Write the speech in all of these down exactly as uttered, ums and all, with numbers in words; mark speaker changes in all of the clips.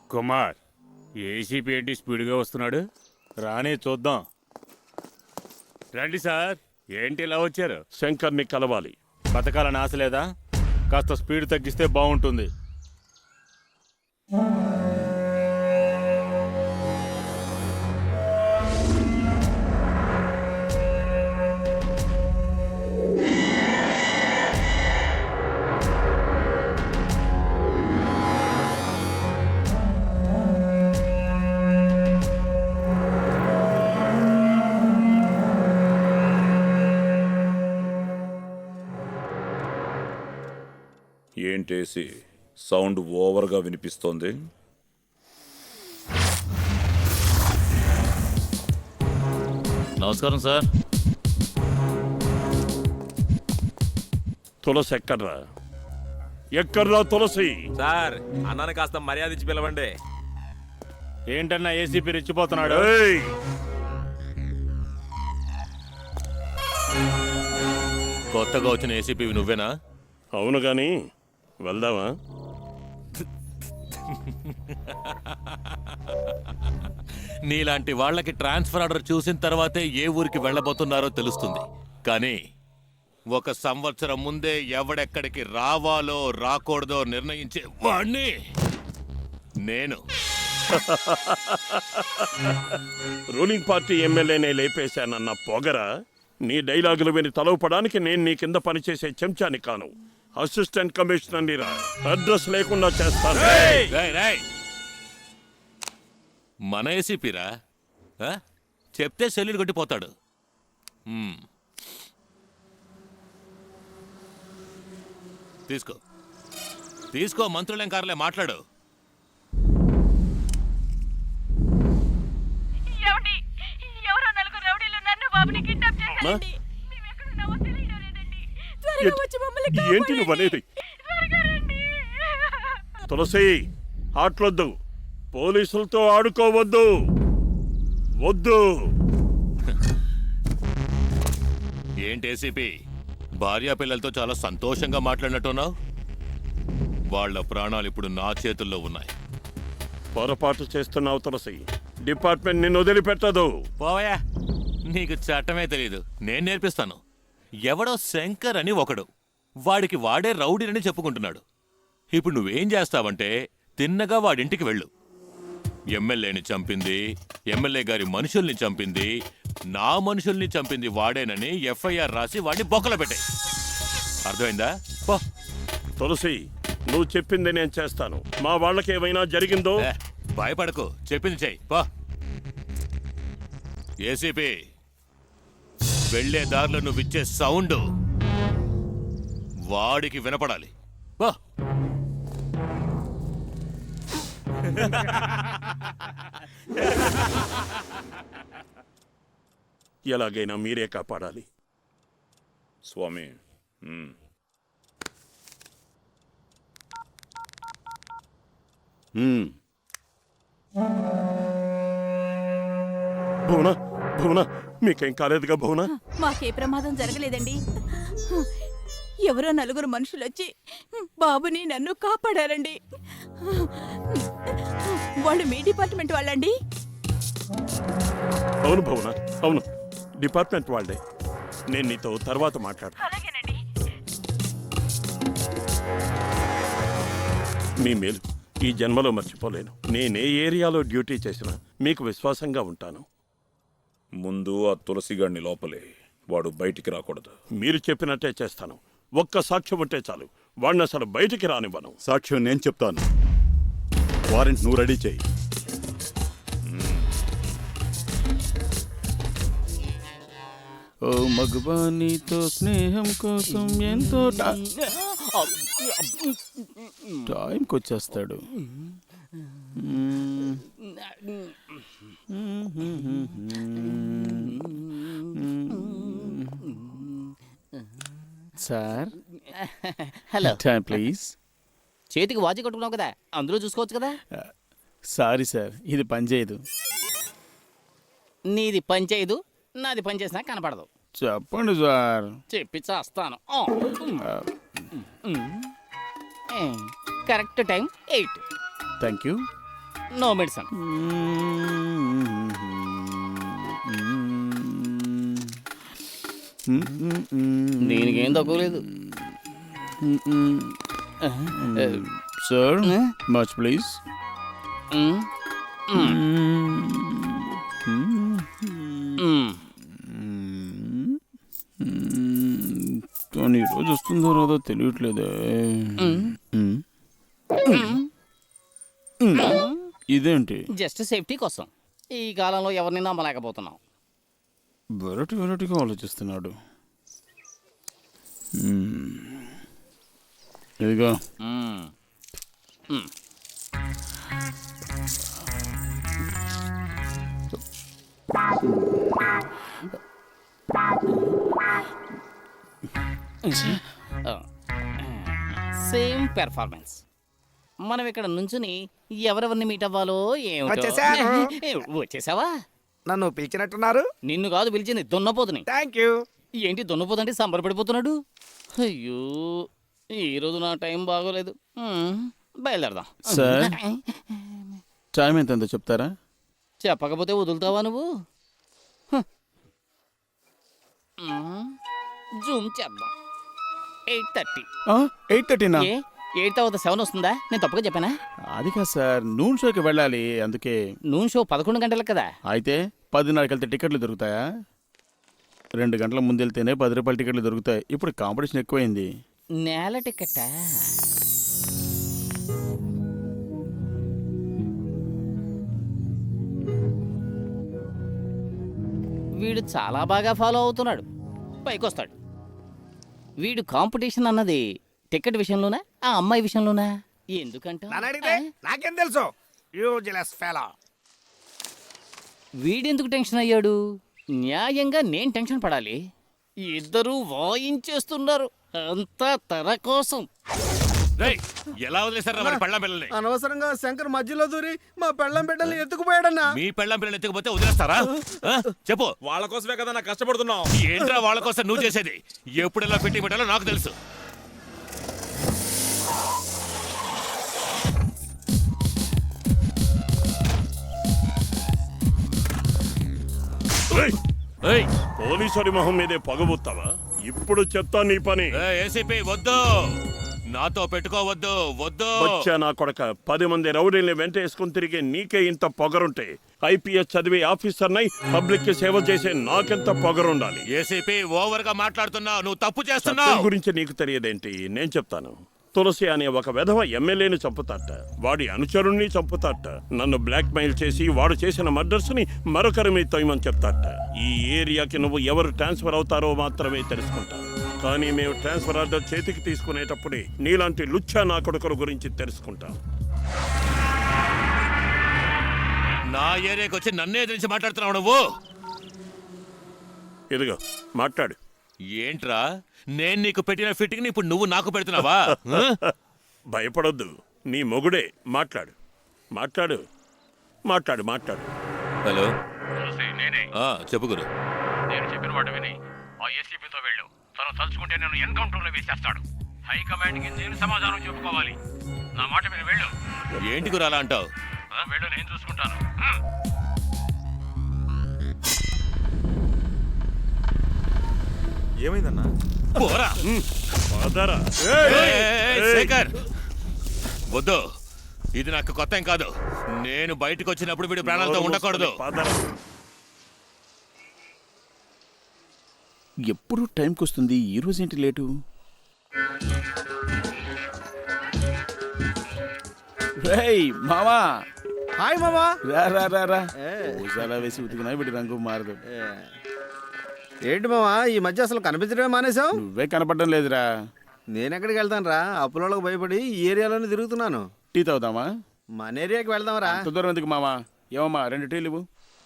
Speaker 1: Kumar, ACP ఏంటి స్పీడ్గా వస్తున్నాడు? రానే చూద్దాం. రండి సార్. ఏంటి ఇలా వచ్చారు?
Speaker 2: శంకర్ని కలవాలి.
Speaker 1: బతకాలని ఆశ లేదా? కాస్త స్పీడ్ తగ్గిస్తే బాగుంటుంది.
Speaker 3: ఏంటేసి సౌండ్ ఓవర్గా వినిపిస్తోంది?
Speaker 4: నమస్కారం సార్.
Speaker 2: తులసి ఎక్కడ్రా? ఎక్కడ్రా తులసి?
Speaker 5: సార్, అన్నాను కాస్త మర్యాద ఇచ్చి పిలవండి.
Speaker 1: ఏంటన్నా ఏసీపీ రెచ్చిపోతున్నాడు?
Speaker 2: ఏయ్!
Speaker 4: కొత్తగా వచ్చిన ఏసీపీ నువ్వేనా?
Speaker 2: అవును గాని వెళ్దామా?
Speaker 4: నీలాంటి వాళ్ళకి ట్రాన్స్ఫర్ ఆర్డర్ చూసిన తర్వాతే ఏ ఊరికి వెళ్ళబోతున్నారో తెలుస్తుంది. కానీ ఒక సంవత్సరం ముందే ఎవడెక్కడికి రావాలో రాకూడదో నిర్ణయించే వాణ్ణి నేను.
Speaker 2: రూలింగ్ పార్టీ ఎమ్మెల్యేనే లేపేశానన్న పొగరా? నీ డైలాగులు విని తలవపడానికి నేను నీ కింద పనిచేసే చెంచాని కాను. అసిస్టెంట్ కమిషనర్ని రా. అడ్రస్ లేకుండా చేస్తాను.
Speaker 4: రేయ్, రేయ్. మన ఏసీపీరా? ఆ? చెప్తే సెల్లులు కొట్టిపోతాడు. మ్మ్. తీసుకో తీసుకో మంత్రులేం కార్లే మాట్లాడు.
Speaker 6: ఏమండి? ఎవరో నలుగురు రౌడీలు నన్ను బాబుని కిడ్నాప్ చేశారండి. మేమెక్కడున్నామో తెలియడం లేదండి. త్వరగా వచ్చి మమ్మల్ని
Speaker 2: ఏంటి నువ్వు అనేది?
Speaker 6: త్వరగా రండి.
Speaker 2: తులసి, ఆటలొద్దు. పోలీసులతో ఆడుకోవద్దు. వద్దు.
Speaker 4: ఏంటి ఏసీపీ, భార్యా పిల్లలతో చాలా సంతోషంగా మాట్లాడినట్టున్నావు? వాళ్ళ ప్రాణాలు ఇప్పుడు నా చేతుల్లో ఉన్నాయి.
Speaker 2: పొరపాటు చేస్తున్నావు తులసి. డిపార్ట్మెంట్ నిన్ను వదిలిపెట్టదు.
Speaker 4: పోవయా, నీకు చట్టమే తెలీదు. నేను నేర్పిస్తాను. ఎవడో శంకర్ అని ఒకడు, వాడికి వాడే రౌడీనని చెప్పుకుంటున్నాడు. ఇప్పుడు నువ్వేం చేస్తావంటే తిన్నగా వాడింటికి వెళ్ళు. ఎమ్మెల్యేని చంపింది, ఎమ్మెల్యే గారి మనుషుల్ని చంపింది, నా మనుషుల్ని చంపింది వాడేనని ఎఫ్ఐఆర్ రాసి వాడిని బొక్కలో పెట్టాయి. అర్థమైందా? పో.
Speaker 2: తులసి, నువ్వు చెప్పింది నేను చేస్తాను. మా వాళ్ళకి ఏమైనా జరిగిందో?
Speaker 4: ఏ, భయపడకు, చెప్పింది చెయ్యి. పో. ఏసీపీ, వెళ్లే దారిలో నువ్విచ్చే సౌండ్ వాడికి వినపడాలి. పో.
Speaker 2: ఎలాగైనా మీరే కాపాడాలి.
Speaker 3: స్వామి, మ్మ్.
Speaker 2: భువన, భువన, మీకేం కాలేదుగా భువన?
Speaker 6: మాకే ప్రమాదం జరగలేదండి. ఎవరో నలుగురు మనుషులు వచ్చి బాబుని నన్ను కాపాడారండి. వాళ్ళు మీ డిపార్ట్మెంట్ వాళ్ళండి?
Speaker 2: అవును భువన, అవును, డిపార్ట్మెంట్ వాళ్ళే. నేను నీతో తర్వాత మాట్లాడు.
Speaker 6: అలాగేనండి.
Speaker 2: మీ మేలు ఈ జన్మలో మర్చిపోలేను. నేనే ఏరియాలో డ్యూటీ చేసినా మీకు విశ్వాసంగా ఉంటాను.
Speaker 3: ముందు ఆ తులసిగాడిని లోపలే, వాడు బయటికి రాకూడదు.
Speaker 2: మీరు చెప్పినట్టే చేస్తాను. ఒక్క సాక్ష్యం ఉంటే చాలు. వాడిని అసలు బయటికి రానివ్వను.
Speaker 7: సాక్ష్యం నేను చెప్తాను. వారెంట్ నువ్వు రెడీ చేయి.
Speaker 8: ఓ మగవానితో స్నేహం కోసం ఎంతో టైంకి వచ్చేస్తాడు. Sir,
Speaker 9: hello.
Speaker 8: Time please.
Speaker 9: చేతికి వాచి కట్టుకున్నావు కదా, అందులో చూసుకోవచ్చు కదా.
Speaker 8: సారీ సార్, ఇది పనిచేయదు.
Speaker 9: నీది పని చేయదు, నాది పని చేసినా కనపడదు.
Speaker 8: చెప్పండి సార్.
Speaker 9: చెప్పి చేస్తాను. Correct time eight.
Speaker 8: Thank you.
Speaker 9: No medicine. దీనికి ఏం తక్కువ లేదు.
Speaker 8: Sir much please. కానీ ఈరోజు వస్తుందో రాదో తెలియట్లేదే. ఇదేంటి?
Speaker 9: జస్ట్ సేఫ్టీ కోసం ఈ కాలంలో ఎవరిని నమ్మలేకపోతున్నాం.
Speaker 8: వెరైటీ వెరైటీగా ఆలోచిస్తున్నాడు. మ్మ్. ఇదిగో
Speaker 9: మ్మ్. మ్మ్. Same performance. మనం ఇక్కడ నుంచుని ఎవరెవరిని మీట్ అవ్వాలో ఏమిటో.
Speaker 10: వచ్చేసాను.
Speaker 9: ఏ, వచ్చేసావా?
Speaker 10: నన్ను పిలిచినట్టున్నారు.
Speaker 9: నిన్ను కాదు పిలిచింది, దున్నపోతుని.
Speaker 10: Thank you.
Speaker 9: ఏంటి దున్నపోతంటే సంబరపడిపోతున్నాడు? అయ్యో ఈరోజు నా టైం బాగోలేదు. మ్మ్, బయలుదేరదాం.
Speaker 8: సార్ టైం ఎంత ఎంతో చెప్తారా?
Speaker 9: చెప్పకపోతే వదులుతావా నువ్వు? హ. మ్మ్, జూమ్ చేద్దాం. Eight thirty.
Speaker 8: ఎయిట్ థర్టీనా?
Speaker 9: ఏ ఎయిట్ తర్వాత సెవెన్ వస్తుందా? నేను తప్పుగా చెప్పానా?
Speaker 8: అది కాదు సార్, నూన్ షోకి వెళ్ళాలి అందుకే.
Speaker 9: నూన్ షో పదకొండు గంటలకు కదా.
Speaker 8: అయితే పదిన్నరకి వెళ్తే టికెట్లు దొరుకుతాయా? రెండు గంటల ముందు వెళ్తేనే పది రూపాయల టికెట్లు దొరుకుతాయి. ఇప్పుడు కాంపిటీషన్ ఎక్కువైంది.
Speaker 9: నేల టికెట్టా? వీడు చాలా బాగా ఫాలో అవుతున్నాడు, పైకొస్తాడు. వీడు కాంపిటీషన్ అన్నది టికెట్ విషయంలోనా ఆ అమ్మాయి విషయంలోనా? ఎందుకంట
Speaker 10: నన్ను అడిగితే నాకేం తెలుసు. Useless fellow.
Speaker 9: వీడెందుకు టెన్షన్ అయ్యాడు? న్యాయంగా నేను టెన్షన్ పడాలి. ఇద్దరూ వాయించేస్తున్నారు, అంతా తన కోసం.
Speaker 4: రేయ్, ఎలా వదిలేశారా మరి పెళ్ళాం పిల్లల్ని?
Speaker 10: అనవసరంగా శంకర్ మధ్యలో దూరి మా పెళ్ళం బిడ్డల్ని ఎత్తుకుపోయాడన్నా.
Speaker 4: మీ పెళ్ళాం పిల్లల్ని ఎత్తుకుపోతే వదిలేస్తారా? ఆ? చెప్పు.
Speaker 5: వాళ్ళ కోసమే కదా నాకు కష్టపడుతున్నావు.
Speaker 4: ఏంట్రా వాళ్ళ కోసం నువ్వు చేసేది? ఎప్పుడు ఎలా పెట్టి పెట్టాలో నాకు తెలుసు.
Speaker 2: ఏయ్,
Speaker 4: ఏయ్,
Speaker 2: పోలీసుడి మొహం మీదే పగబుత్తావా? ఇప్పుడు చెప్తా నీ పని.
Speaker 4: ఏయ్, ఏసీపీ వద్దు, నాతో పెట్టుకోవద్దు, వద్దు.
Speaker 2: వచ్చా నా కొడక. పది మంది రౌడీల్ని వెంట వేసుకుని తిరిగే నీకే ఇంత పొగరుంటే ఐపీఎస్ చదివి ఆఫీసర్నై పబ్లిక్ కి సేవ చేసే నాకెంత పొగరుండాలి?
Speaker 4: ఏసీపీ ఓవర్ గా మాట్లాడుతున్నావు, నువ్వు తప్పు
Speaker 2: చట్టం
Speaker 4: చేస్తున్నావు.
Speaker 2: గురించి నీకు తెలియదేంటి? నేను చెప్తాను. తులసి అనే ఒక వెధవ ఎమ్మెల్యేని చంపుతాట, వాడి అనుచరుణ్ణి చంపుతాట, నన్ను బ్లాక్ మెయిల్ చేసి వాడు చేసిన మర్డర్స్ ని మరొకరి మీద తోయమని చెప్తాట. ఈ ఏరియాకి నువ్వు ఎవరు ట్రాన్స్ఫర్ అవుతారో మాత్రమే తెలుసుకుంటా. కానీ మేము ట్రాన్స్ఫర్ ఆర్డర్ చేతికి తీసుకునేటప్పుడే నీలాంటి లుచ్చా నా కొడుకుల గురించి తెలుసుకుంటాం.
Speaker 4: నా ఏరియాకి వచ్చి నన్నే ఎదిరించి మాట్లాడుతున్నావు నువ్వు.
Speaker 2: ఇదిగో మాట్లాడు.
Speaker 4: ఏంట్రా, నేను నీకు పెట్టిన ఫిట్టింగ్ ఇప్పుడు నువ్వు నాకు పెడుతున్నావా? ఆ?
Speaker 2: భయపడొద్దు, నీ మొగుడే. మాట్లాడు మాట్లాడు మాట్లాడు మాట్లాడు.
Speaker 4: హలో, ఆ, చెప్పు గురు.
Speaker 1: నేను చెప్పిన మాట విని ఆ ఏసీపీతో వెళ్ళు. తను తలుచుకుంటే నేను ఎన్కౌంటర్లో వేసేస్తాడు. హైకమాండ్కి నేను సమాధానం చెప్పుకోవాలి. నా మాట విని వెళ్ళు.
Speaker 4: ఏంటి గురు అలా అంటావు?
Speaker 1: వెళ్ళు, నేను చూసుకుంటాను.
Speaker 5: ఏమైందన్నా?
Speaker 4: పోరా.
Speaker 2: పదరా.
Speaker 4: ఏయ్, ఏయ్, శేఖర్ వద్దు, ఇది నాకు కొత్త ఏం కాదు. నేను బయటకు వచ్చినప్పుడు వీడి ప్రాణాలతో ఉండకూడదు.
Speaker 2: పదరా.
Speaker 8: ఎప్పుడు టైంకి వస్తుంది, ఈ రోజు ఏంటి లేటు? రేయ్ మామా.
Speaker 10: హాయ్ మామా.
Speaker 8: రా రా రా రా. ఊసాలా వేసి ఉతికినా వీడి రంగు మారదు.
Speaker 10: ఏంటి మామా ఈ మధ్య అసలు కనిపించడమే మానేశావు?
Speaker 8: నువ్వే కనపడడం లేదురా.
Speaker 10: నేనెక్కడికి వెళ్తాను రా, అప్పులోళ్ళకి భయపడి ఈ ఏరియాలోనే తిరుగుతున్నాను.
Speaker 8: టీ తాగుదామా?
Speaker 10: మన ఏరియాకి వెళ్దాం రా.
Speaker 8: అంత దూరం ఎందుకు మామా? ఏమమ్మా రెండు టీలు ఇవ్వు.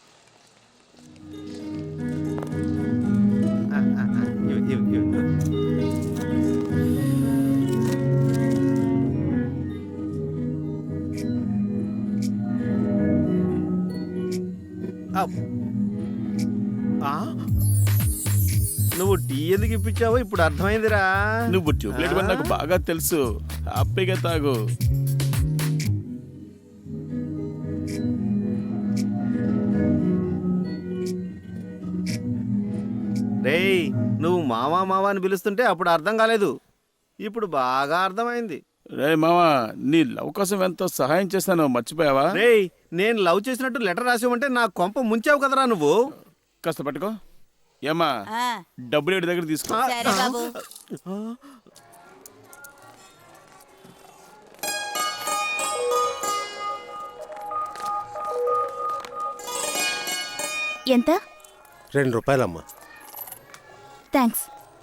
Speaker 10: నువ్వు టీ ఎందుకు ఇప్పించావో ఇప్పుడు అర్థమైందిరా.
Speaker 8: నువ్వు ట్యూబ్లైట్ వల్ల నాకు బాగా తెలుసు. హ్యాపీగా తాగు.
Speaker 10: రేయ్ నువ్వు మావా మావా అని పిలుస్తుంటే అప్పుడు అర్థం కాలేదు, ఇప్పుడు బాగా అర్థమైంది.
Speaker 8: రే మామా, నీ లవ్ కోసం ఎంతో సహాయం చేస్తాను, మర్చిపోయావా?
Speaker 10: రేయ్ నేను లవ్ చేసినట్టు లెటర్ రాసావంటే నా కొంప ముంచావు కదరా నువ్వు.
Speaker 8: కాస్త పట్టుకో. ఏమా,
Speaker 6: ఆ,
Speaker 8: డబ్బులు ఏడు దగ్గర తీసుకో.
Speaker 6: సరే బాబు. ఎంత?
Speaker 11: రెండు రూపాయలమ్మా.
Speaker 6: థ్యాంక్స్.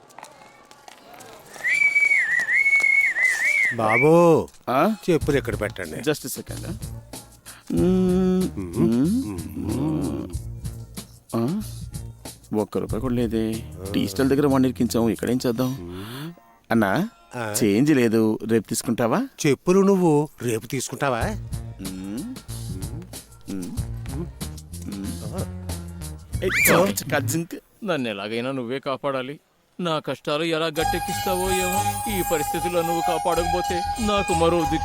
Speaker 11: బాబు
Speaker 8: ఆ?
Speaker 11: చెప్పులు ఎక్కడ పెట్టండి.
Speaker 8: Just second. ఒక్క రూపాయి కూడా లేదే. టీ స్టాల్ దగ్గర వన్ ఇరికించాము, ఇక్కడేం చేద్దాం? అన్నా, చేంజ్ లేదు, రేపు తీసుకుంటావా?
Speaker 11: చెప్పులు నువ్వు రేపు తీసుకుంటావా?
Speaker 12: నన్ను ఎలాగైనా నువ్వే కాపాడాలి. నా కష్టాలు ఎలా గట్టెక్కిస్తావో ఏమో. ఈ పరిస్థితుల్లో నువ్వు కాపాడకపోతే నాకు మరో దిక్కు